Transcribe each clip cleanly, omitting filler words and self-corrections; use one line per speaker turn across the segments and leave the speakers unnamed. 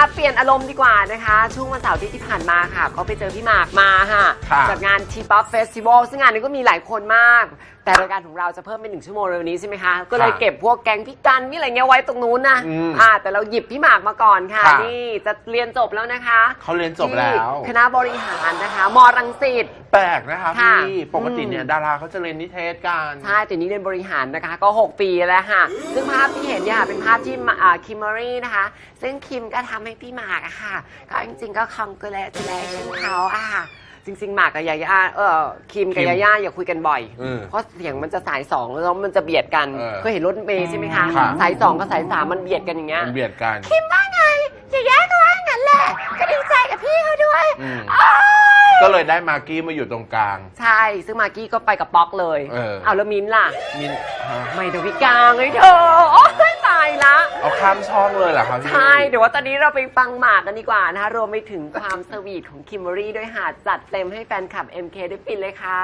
เปลี่ยนอารมณ์ดีกว่านะคะช่วงวันเสาร์ที่ผ่านมาค่ะก็ไปเจอพี่หมากมาค่ะจากงานทีป๊อปเฟสติวัลซึ่งงานนี้ก็มีหลายคนมากแต่รายการของเราจะเพิ่มเป็น1 ชั่วโมงเร็วนี้ใช่ไหมคะก็เลยเก็บพวกแก๊งพี่กันมีอะไรเงี้ยไว้ตรงนู้นนะแต่เราหยิบพี่หมากมาก่อนค่ะนี่จะเรียนจบแล้วนะคะ
เขาเรียนจบแล้ว
คณะบริหารนะคะมรังสิต
แปลกนะคะพี่ปกติเนี่ยดาราเขาจะเรียนนิเทศกัน
ใช่แต่นี้เรียนบริหารนะคะก็6 ปีแล้วค่ะซึ่งภาพที่เห็นเนี่ยเป็นภาพที่คิมเมอรี่นะคะซึ่งคิมก็ทำให้พี่หมากอะค่ะก็จริงๆก็คองเกลเลชั่นเขาอะจริงๆหมากกับยาย่าคิมกับยาย่าอย่าคุยกันบ่อยเพราะเสียงมันจะสาย2แล้วมันจะเบียดกันเคยเห็นรถเมล์ใช่ไหมคะสาย2กับสาย3มันเบียดกันอย่างเงี้ย
มันเบียดกัน
คิมว่าไงยาย่าก็ว่างั้นแหละก็ดีใจกับพี่เขาด้วย
ก็เลยได้มากกี้มาอยู่ตรงกลาง
ใช่ซึ่งมากกี้ก็ไปกับป๊อกเลยเอาแล้วมิ้นล่ะ
มิ้น
ไม่เดี๋ยวพี่กลางเลยเธอโอ๊ยตายละ
เอาข้ามช่องเลยเหรอครับพี่
ใช่เดี๋ยวว่าตอนนี้เราไปฟังหมากกันดีกว่านะคะรวมไปถึงความสวีทของคิมเบอรี่ด้วยค่ะจัดเต็มให้แฟนคลับ MK ได้ฟินเลยค่ะ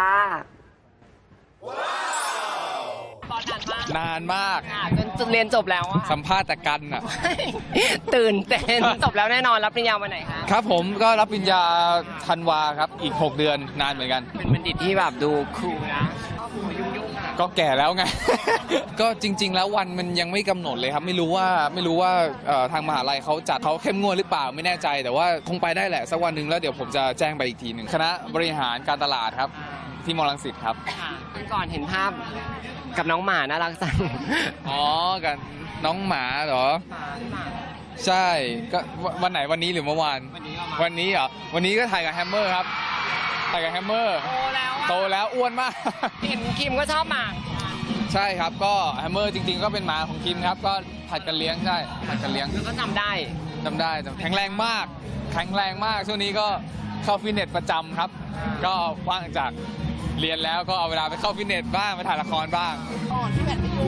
นานมาก
จนเรียนจบแล้ว
สัมภาษณ์แต่กันอ่ะ
ตื่นเต้นจบแล้วแน่นอนรับปริญญาวันไหนคะ
ครับผมก็รับปริญญาธันวาครับอีก6 เดือนนานเหมือนกัน
เป็นบัณฑิตที่แบบดูคูลนะ
ก็แก่แล้วไง ก็จริงๆแล้ววันมันยังไม่กำหนดเลยครับไม่รู้ว่าทางมหาลัยเขาจัดเขาเข้มงวดหรือเปล่าไม่แน่ใจแต่ว่าคงไปได้แหละสักวันหนึ่งแล้วเดี๋ยวผมจะแจ้งไปอีกทีหนึ่งคณะบริหารการตลาดครับที่มอรังสิตครับ
ก่อนเห็นภาพกับน้องหมาน่ารักจัง
อ๋อกันน้องหมาเหรอใช่ก็วันไหนวันนี้หรือเมื่อวานวันนี้เหรอวันนี้ก็ถ่ายกับแฮมเมอร์ครับถ่ายกับแฮมเมอร์โตแล้วอ้วนมาก
เห็นคิมก็ชอบหมา
ใช่ครับก็แฮมเมอร์จริงๆก็เป็นหมาของคิมครับก็ผัดกันเลี้ยงใช่ผัดกันเลี้ยง
แล้วก็จำได้
แข็งแรงมากช่วงนี้ก็เข้าฟิตเนสประจำครับก็ว่างจากเรียนแล้วก็เอาเวลาไปเข้าฟิตเนสบ้างไปถ่ายละครบ้าง
ที่แบบไม่อยู่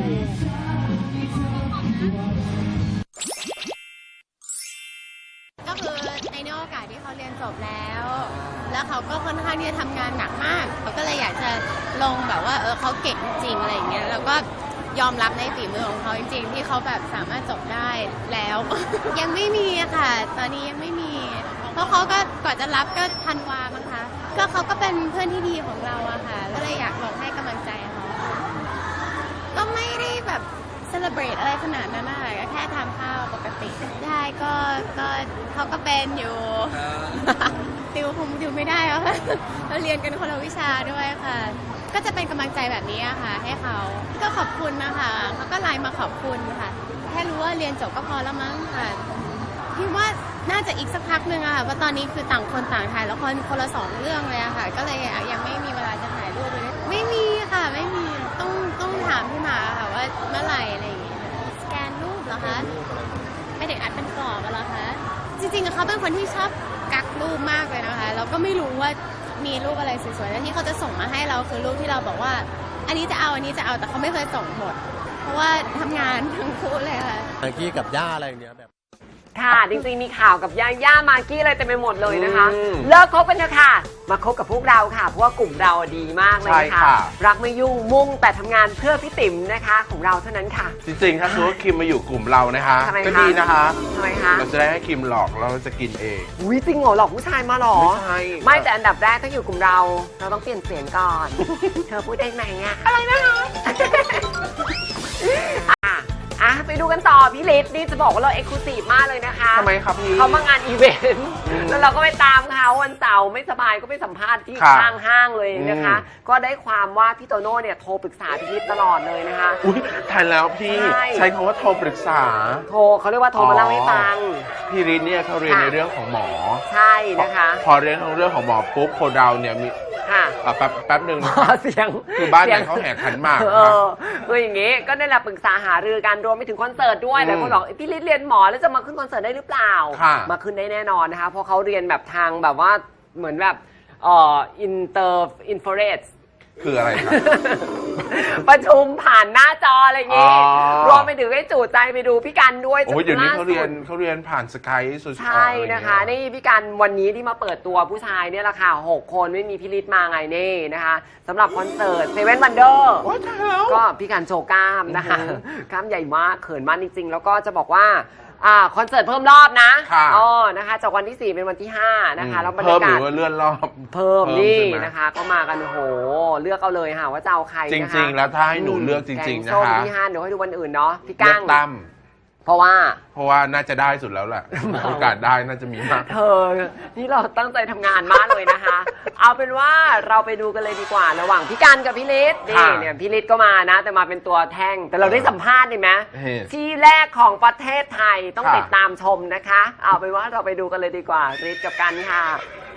ก็คือในโอกาสที่เขาเรียนจบแล้วเขาก็ค่อนข้างที่จะทำงานหนักมากเขาก็เลยอยากจะลงแบบว่าเขาเก่งจริงอะไรอย่างเงี้ยแล้วก็ยอมรับในฝีมือของเขาจริงๆที่เขาแบบสามารถจบได้แล้ว ยังไม่มีค่ะตอนนี้ยังไม่มีเพราะเขาก็ก่อนจะรับก็ธันวามั้งคะก็เขาก็เป็นเพื่อนที่ดีของเราอะค่ะก็เลยอยากลองให้กำลังใจเขาก็ไม่ได้แบบเซเลบรตอะไรขนาดนั้นนะคะก็แค่ทานข้าวปกติได้ก็เขาก็เป็นอยู่ติวคงติวไม่ได้แล้วค่ะเราเรียนกันคนละวิชาด้วยค่ะก็จะเป็นกำลังใจแบบนี้อะค่ะให้เขาก็ขอบคุณนะคะเขาก็ไลน์มาขอบคุณค่ะแค่รู้ว่าเรียนจบก็พอแล้วมั้งค่ะคิดว่าน่าจะอีกสักพักหนึ่งอะค่ะเพราะตอนนี้คือต่างคนต่างถ่ายละครคนละ2 เรื่องเลยอะค่ะก็เลยยังไม่มีเวลาจะถ่ายรูปเลยไม่มีค่ะไม่มีต้องถามพี่หมาค่ะว่าเมื่อไหร่อะไรอย่างเงี้ยสแกนรูปเหรอคะไม่ได้อัดเป็นกรอบเหรอคะจริงๆเขาเป็นคนที่ชอบกักรูปมากเลยนะคะเราก็ไม่รู้ว่ามีรูปอะไรสวยๆแล้วที่เขาจะส่งมาให้เราคือรูปที่เราบอกว่าอันนี้จะเอาแต่เขาไม่เคยส่งหมดเพราะว่าทำงานทั้งคู่เลยค่ะ
มากกี้กับย่าอะไรอย่างเงี้ยแบบ
ค่ะจริงๆมีข่าวกับย่ามากกี้อะไรเต็มไปหมดเลยนะคะเลิกคบกันเถอะค่ะมาคบกับพวกเราค่ะเพราะว่ากลุ่มเราดีมากเลยค่ะรักไม่ยุ่งมุ่งแต่ทำงานเพื่อพี่ติ๋มนะคะของเราเท่านั้นค่ะ
จริงๆถ้าสมมติว่าคิมมาอยู่กลุ่มเรานะคะก็ดีนะคะ
ทำไมคะ
เราจะได้ให้คิมหลอกเราจะกินเอง
อุ้ยจริงเหรอหลอกผู้ชายมาหรอ
ไม่ใช่
ไม่แต่อันดับแรกถ้าอยู่กลุ่มเราต้องเปลี่ยนเสียงก่อนเธอพูดได้ไหมอะอะไรนะคะไปดูกันต่อพี่ฤทธิ์นี่จะบอกว่าเราเอ็กซ์คลูซีฟมากเลยนะคะ
ทำไมครับพี่
เขามางานอีเวนต์แล้วเราก็ไปตามเขาวันเสาร์ไม่สบายก็ไปสัมภาษณ์ที่ข้างห้างเลยนะคะก็ได้ความว่าพี่โตโน่เนี่ยโทรปรึกษาพี่ฤทธิ์ตลอดเลยนะคะ
อุ้ยทันแล้วพี่ใช้คำว่าโทรปรึกษา
เขาเรียกว่าโทรมาเล่าให้ฟัง
พี่ฤทธิ์เนี่ยเขาเรียนในเรื่องของหมอ
ใช่นะคะ
พอเรียนเรื่องของหมอปุ๊บโคดาวเนี่ยมีแป๊บหนึ่ง
เสียง
คือบ้านไหนเขาแห่ขันหมาก
คืออย่างงี้ก็ได้รับปรึกษาหารือกันรวมไปถึงคอนเสิร์ตด้วยแต่คนบอกพี่ฤทธิ์เรียนหมอแล้วจะมาขึ้นคอนเสิร์ตได้หรือเปล่ามาขึ้นได้แน่นอนนะคะเพราะเขาเรียนแบบทางแบบว่าเหมือนแบบอินเตอร์อินฟราเรด
คืออะไรครับ
ประชุมผ่านหน้าจออะไรอย่างงี้รวมไปถึงให้จู่ใจไปดูพี่กันด้วย
โอ้ยเดี๋ยวนี้เขาเรียนผ่านสกายสุด
ใช่นะคะนี่พี่กันวันนี้ที่มาเปิดตัวผู้ชายเนี่ยแหละค่ะ6 คนไม่มีพี่ฤทธิ์มาไงนี่นะคะสำหรับคอนเสิร์ตเซเว่นวันเดอร์ก็พี่กันโชว์กล้ามนะคะกล้ามใหญ่มากเขินมากจริงๆแล้วก็จะบอกว่าคอนเสิร์ตเพิ่มรอบนะ
ค่ะ
อ๋อนะคะจากวันที่ 4 เป็นวันที่ 5 นะคะแล้วบรร
เพิ่
ยาม
หรื
กาศ
อว่าเลื่อนรอบ
เพิ่มนี่
ใช่ไหม
นะคะ ก็มากันโอ้โหเลือกเอาเลยค่ะว่าจะเอาใคร
จ
นะคะ
ริง ๆ แล้วถ้าให้หนูเลือกจริง ๆ
แก
นะ
ส้ม
คะ
ที่5เดี๋ยวให้ดูวันอื่นเนาะพี่
เลือ
ก้าก ง
ตั้ม
เพราะว่า
เพราะว่าน่าจะได้สุดแล้วแหละ โอกาสได้น่าจะมีมาก
เธอนี่เราตั้งใจทำงานมากเลยนะคะ เอาเป็นว่าเราไปดูกันเลยดีกว่าระหว่างพี่กันกับพี่ฤทธิ์นี่
ค่ะ
เนี่ยพี่ฤทธิ์ก็มานะ แต่มาเป็นตัวแท่ง แต่เราได้สัมภาษณ์ดีไหม
เฮ้
ที่แรกของประเทศไทยต้อง
ค่ะ
ติดตามชมนะคะ เอาเป็นว่าเราไปดูกันเลยดีกว่าฤทธิ์กับกันค่ะ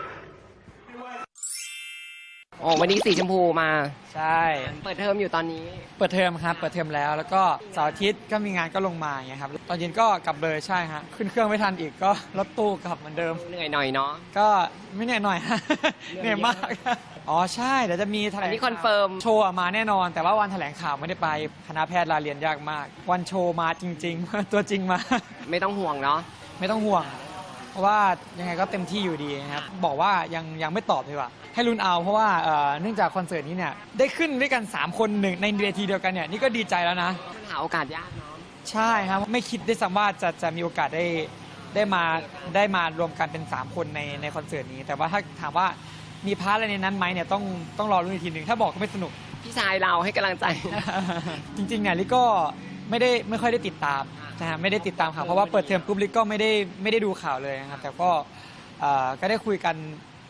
โอ้วันนี้สีชมพูมา
ใช่
เปิดเทอมอยู่ตอนนี้
เปิดเทอมครับ เปิดเทอมแล้ว แล้วก็เสาร์อาทิตย์ก็มีงานก็ลงมาอย่างเงี้ยครับ ตอนเย็นก็กลับเลยใช่ฮะ ขึ้นเครื่องไม่ทันอีกก็รถตู้กลับเหมือนเดิม
เหนื่อยหน่อยเนาะ
ก็ไม่เหนื่อยหน่อย ฮะ เหนื่อยมาก อ๋อใช่ เดี๋ยวจะมีแถล
อัน
ง
นี้คอนเฟิร์ม
โชว์อะมาแน่นอน แต่ว่าวันแถลงข่าวไม่ได้ไป คณะแพทย์ลาเรียนยากมาก วันโชว์มาจริง ๆ ตัวจริงมา
ไม่ต้องห่วงเนาะ
ไม่ต้องห่วง เพราะว่ายังไงก็เต็มที่อยู่ดีนะครับ บอกว่ายังไม่ตอบดีกว่า ให้ลุ้นเอาเพราะว่าเนื่องจากคอนเสิร์ตนี้เนี่ยได้ขึ้นด้วยกัน 3 คนหนึ่งในเวทีเดียวกันเนี่ยนี่ก็ดีใจแล้วนะ
มันหาโอกาสยากเนาะ
ใช่ครับไม่คิดได้วยซ้ำว่าจะมีโอกาสได้มารวมกันเป็น 3 คนในคอนเสิร์ตนี้ แต่ว่าถ้าถามว่ามีพาร์ทอะไรในนั้นไหมเนี่ยต้องรอรุ้นอีกทีหนึ่งถ้าบอกก็ไม่สนุก
พี่ชายเราให้กำลังใจ
จริงๆเนี่ยลิก็ไม่ค่อยได้ติดตามนะฮะไม่ได้ติดตามข่าวเพราะว่าเปิดเทอมปุ๊บลิก็ไม่ได้ดูข่าวเลยนะครับแต่ก็ได้คุยกัน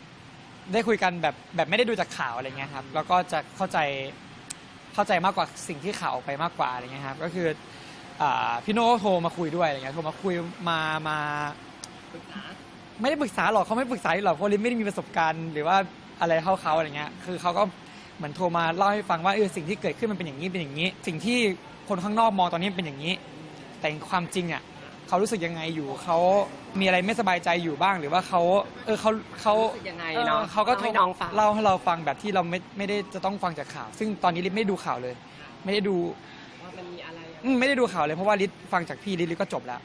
แบบไม่ได้ดูจากข่าวอะไรเงี้ยครับแล้วก็จะเข้าใจมากกว่าสิ่งที่ข่าวออกไปมากกว่าอะไรเงี้ยครับก็คือพี่โน่โทรมาคุยด้วยอะไรเงี้ยโทรมาคุยมาไม่ได้ปรึกษาหรอกเขาไม่ปรึกษาหรอกเพราะลิไม่ได้มีประสบการณ์หรือว่าอะไรเท่าเขาอะไรเงี้ยคือเขาก็เหมือนโทรมาเล่าให้ฟังว่าสิ่งที่เกิดขึ้นมันเป็นอย่างนี้เป็นอย่างนี้ สิ่งที่คนข้างนอกมองตอนนี้เป็นอย่างนี้ แต่ความจริงอ่ะเขารู้สึกยังไงอยู่เขามีอะไรไม่สบายใจอยู่บ้างหรือว่าเขา
รู้สึกยังไงเนาะ
เขาก็
ให้น้องฟัง
เล่าให้เราฟังแบบที่เราไม่ได้จะต้องฟังจากข่าว ซึ่งตอนนี้ลิศไม่ได้ดูข่าวเลย ไม่ได้ดู
ว่ามันมีอะไร
ไม่ได้ดูข่าวเลยเพราะว่าลิศฟังจากพี่ลิศก็จบแล้ว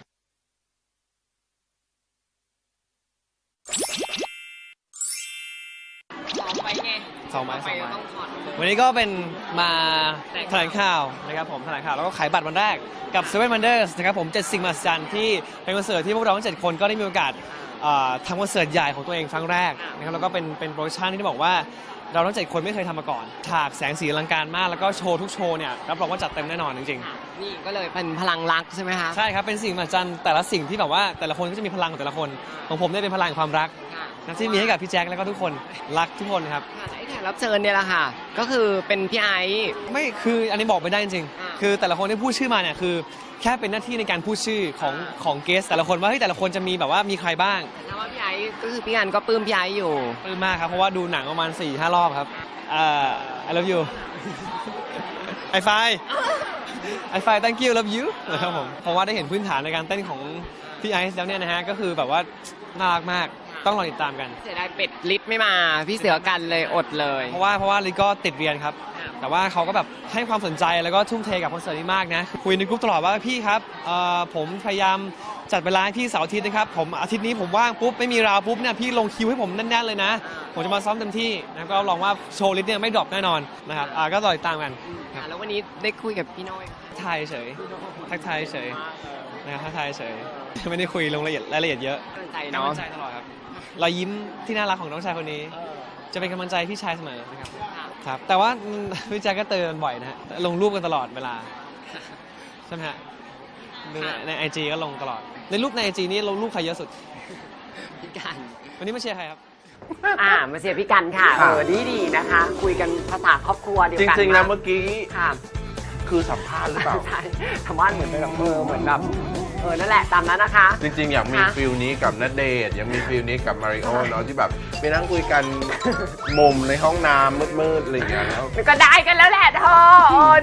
ซ้อมไว้ไง
ซ้อมไว้
ไปก็ต้องถอด
วันนี้ก็เป็นมาแถลงข่าวนะครับผมแถลงข่าวแล้วก็ขายบัตรวันแรกกับSeven Wondersนะครับผม7 สิ่งมหัศจรรย์ที่เป็นคอนเสิร์ตที่พวกเราทั้ง7 คนก็ได้มีโอกาสทำคอนเสิร์ตใหญ่ของตัวเองครั้งแรกนะครับแล้วก็เป็นโปรดักชันที่บอกว่าเราทั้ง7 คนไม่เคยทำมาก่อนฉากแสงสีอลังการมากแล้วก็โชว์ทุกโชว์เนี่ยรับรองว่าจัดเต็มแน่นอนจริงๆ
นี่ก็เลยเป็นพลังรักใช่ไหมคะ
ใช่ครับเป็นสิ่งมหัศจรรย์แต่ละสิ่งที่แบบว่าแต่ละคนก็จะมีพลังของแต่ละคนของผมเนี่ยเป็นพลังความรัก
ค่ะ
นะที่มีให้กับพี่แจ็คแล้วก็ทุกคนรักทุกคนครับ
ค่ะและไอ้แขกรับเชิญเนี่ยแหละค่ะ ก็คือเป็นพี่ไอซ์
ไม่คืออันนี้บอกไม่ได้จริง
อ่า
ๆคือแต่ละคนที่พูดชื่อมาเนี่ยคือแค่เป็นหน้าที่ในการพูดชื่อของเกสแต่ละคนว่าเฮ้ยแต่ละคนจะมีแบบว่ามีใครบ้าง
แต่ถ้าว่าพี่ไอซ์ก็คือพี่อันก็ปลื้มพี่ไอซ์อยู่
ปลื้มมากครับเพราะว่าดูหนังประมาณ 4-5 รอบครับI love you ไอไฟ thank you love you นะครับผมเพราะว่าได้เห็นพื้นฐานในการเต้นของพี่ไอซ์แล้วเนี่ยนะฮะก็คือแบบว่าน่ารักมากต้องรอติดตามกัน
เสียดายเป็ดลิศไม่มา พี่เสือกันเลยอดเลย
เพราะว่าลิก็ติดเรียนครับ แต่ว่าเขาก็แบบให้ความสนใจแล้วก็ทุ่มเทกับคอนเสิร์ตนี้มากนะ คุยในกลุ่มตลอดว่าพี่ครับผมพยายามจัดเวลาให้พี่เสาร์อาทิตย์นะครับผมอาทิตย์นี้ผมว่างปุ๊บไม่มีราวปุ๊บเนี่ยพี่ลงคิวให้ผมแน่นๆเลยนะ ผมจะมาซ้อมเต็มที่นะก็ลองว่าโชว์ลิสเนี่ยไม่ดรอปแน่นอนนะครับก็รอติดตามกัน
ค่ะแล้ววันนี้ได้คุยกับพี่น้อย
ทักทายเฉยทักทายเฉยนะครับทักทายเฉยไม่ได้คุยลงรายละเอียดเยอะ
กำลังใจ
กำ
เนาะ
ลังใจตลอดครับรอยยิ้มที่น่ารักของน้องชายคนนี้ จะเป็นกำลังใจพี่ชายเสมอนะครับ ครับแต่ว่าพี่แจ็คก็เตือนบ่อยนะฮะลงรูปกันตลอดเวลาใช่ไหมฮะใน IG ก็ลงตลอดในรูปใน IG นี้ลงรูปใครเยอะสุด
พี่กัน
วันนี้มาเชียร์ใครครับ
มาเชียร์พี่กันค่ะ
ค่ะ
ดีนะคะ คุยกันภาษาครอบครัวเดียว
จ
กัน
ริงๆแล้วเมื่อกี้
ค่ะ
คือสัมภาษณ์หรือเปล่า
ใช่ทำบ้านเหมือนแบบเหมือนแบบนั่นแหละตามนั้นนะคะ
จริงๆ อยากมี
ค่ะ
ฟิลนี้กับณเดชน์อยากมีฟิลนี้กับมาริโอเนาะที่แบบไปนั่งคุยกันมุมในห้องน้ำมืดๆอะไรอย่างเงี้ยแล้ว
ก็ได้กันแล้วแหละเธอ